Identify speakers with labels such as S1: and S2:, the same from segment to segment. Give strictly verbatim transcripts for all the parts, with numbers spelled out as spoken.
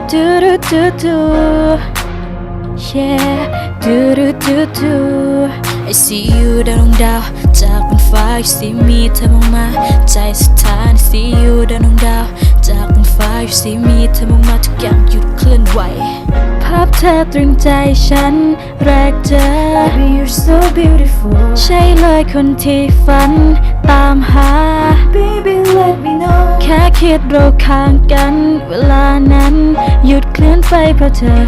S1: do do do do yeah do do do do I see you ดาวดวงดาวจากบนฟ้า You see me เธอมองมาใจสุดท้าย I see you ดาวดวงดาวจากบนฟ้า You see me เธอมองมาทุกอย่างหยุดเคลื่อนไหวภาพเธอตรึงใจฉันแรกเจอ Baby you're so beautiful ใช่เลยคนที่ฝันตามหา Baby let me know แค่คิดเราข้างกันเวลานั้นหยุดเคลื่อนไปเพราะเธอ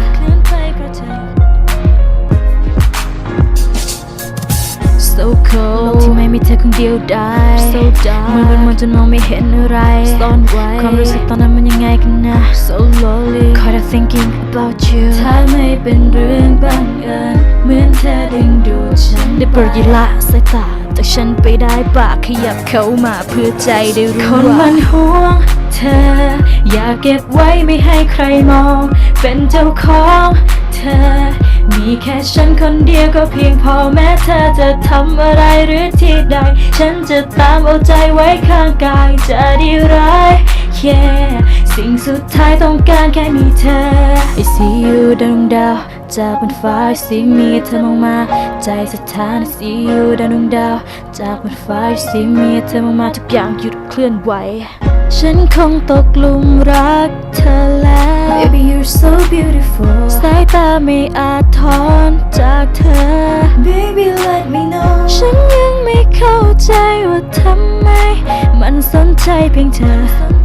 S1: So cold โลกที่ไม่มีเธอคงเดียวดาย So dark มือเป็นมันจนมองไม่เห็นอะไรซ่อนไว้ความรู้สึกตอนนั้นมันยังไงกันนะ So lonely Caught up thinking about you ถ้าไม่เป็นเรื่องบังเอิญเหมือนเธอดึงดูดฉันได้โปรดอย่าละสายตาจากฉันไปได้ปากขยับเข้ามาเพื่อใจได้รู้ว่าคนมันห่วงเธออยากเก็บไว้ไม่ให้ใครมองเป็นเจ้าของเธอมีแค่ฉันคนเดียวก็เพียงพอแม้เธอจะทำอะไรหรือที่ใดฉันจะตามเอาใจไว้ข้างกายจะดีร้าย yeah สิ่งสุดท้ายต้องการแค่มีเธอ I see you ดาวดวงดาวจากบนฟ้า I see me เธอมองมาใจสถาน I see you ดาวดวงดาวจากบนฟ้า I see me เธอมองมาทุกอย่างหยุดเคลื่อนไหวฉันคงตกหลุมรักเธอแล้ว Baby you're so beautiful สายตาไม่อาจถอนจากเธอ Baby let me know ฉันยังไม่เข้าใจว่าทำไมมันสนใจเพียงเธอ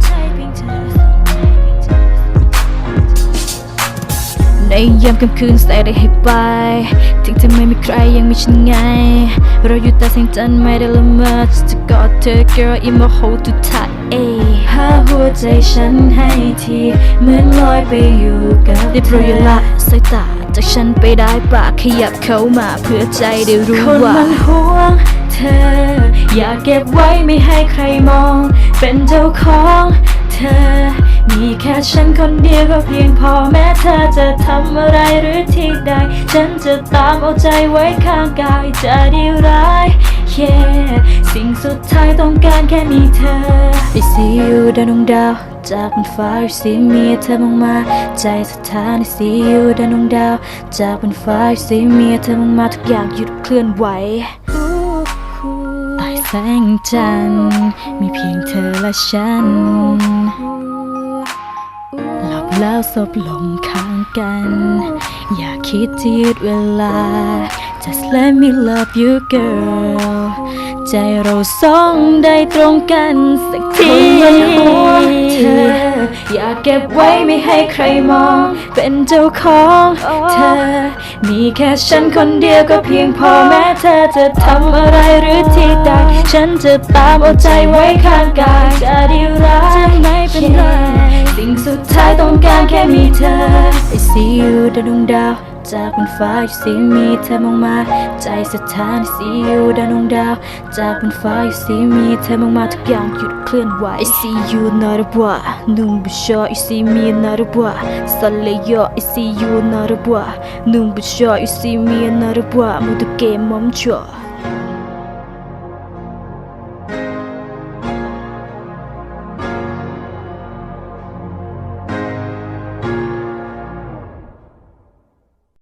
S1: ในยามค่ำคืนแสงได้ให้ไปถึงเธอไม่มีใครยังมีฉันไงเราอยู่แต่แสงจันทร์ไม่ได้ละเมอจะกอดเธอ girl in my hold too tight หาหัวใจฉันให้ทีเหมือนลอยไปอยู่กับได้โปรดอย่าละสายตาจากฉันไปได้ปากขยับเข้ามาเพื่อใจได้รู้ว่าคนมันห่วงเธออยากเก็บไว้ไม่ให้ใครมองเป็นเจ้าของเธอมีแค่ฉันคนเดียวก็เพียงพอแม้เธอจะทำอะไรหรือที่ใดฉันจะตามเอาใจไว้ข้างกายจะดีร้าย yeah สิ่งสุดท้ายต้องการแค่มีเธอ I see you ดาวดวงดาวจากบนฟ้า You see me เธอมองมาใจสถาน I see you ดาวดวงดาวจากบนฟ้า You see me เธอมองมาทุกอย่างหยุดเคลื่อนไหวใต้แสงจันทร์มีเพียงเธอและฉันหลับแล้วสบลงข้างกันอย่าคิดที่ยืดเวลา Just let me love you girl ใจเราสองได้ตรงกันสักทีเธออยากเก็บไว้ไม่ให้ใครมองเป็นเจ้าของเธอมีแค่ฉันคนเดียวก็เพียงพอแม้เธอจะทำอะไรหรือที่ใดฉันจะตามเอาใจไว้ข้างกายจะดีร้ายไม่เป็นไรสิ่งสุดท้ายต้องการแค่มีเธอ I see you ดาวดวงดาวจากบนฟ้า You see me เธอมองมาใจสถาน I see you ดาวดวงดาวจากบนฟ้า You see me เธอมองมาทุกอย่างหยุดเคลื่อนไหว I see you not a boy 눈부셔 You see me not a boy 설레요 I see you not a boy 눈부셔 You see me not a boy 모두 게임 멈춰